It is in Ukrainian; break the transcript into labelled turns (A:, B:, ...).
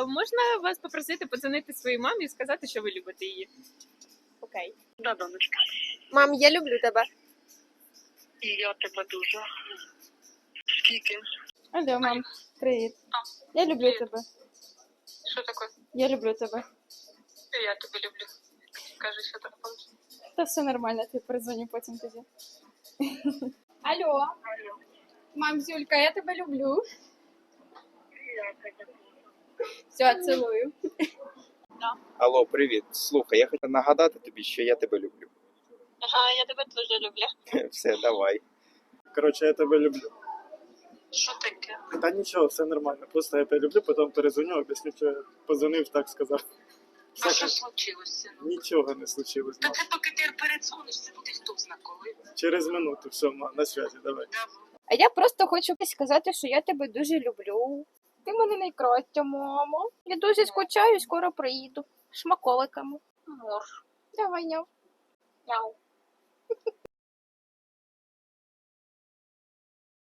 A: можна вас попросити подзвонити своїй мамі і сказати, що ви любите її? Окей.
B: Да, донечка.
C: Мам, я люблю тебе.
B: І я тебе дуже. Скільки?
C: Алло, мам, привіт. Я люблю тебе.
B: Що таке?
C: Я люблю тебе.
B: Я тебе люблю. Кажи, що таке.
C: Та все нормально, ти перезвоню потім тоді. Алло.
B: Алло.
C: Мам, Зюлька, я тебе люблю.
B: Я тебе.
C: Все, цілую.
D: Алло, привіт. Слухай, я хотів нагадати тобі, що я тебе люблю.
B: Ага, я тебе дуже люблю.
D: Все, давай.
E: Коротше, я тебе люблю.
B: Що таке?
E: Та нічого, все нормально. Просто я тебе люблю, потім перезвоню, об'ясню, що я позвонив, так сказав.
B: А що случилось, сину?
E: Нічого не случилось.
B: Та
E: Мам.
B: це поки ти передзвониш, це буде хто зна коли.
E: Через минуту, все, мам, на связі, давай.
C: А я просто хочу сказати, що я тебе дуже люблю. Ти мене найкраща, мамо. Я дуже скучаю, скоро приїду. Шмаколиками.
B: Мор.
C: Давай, няв.
B: Мяу.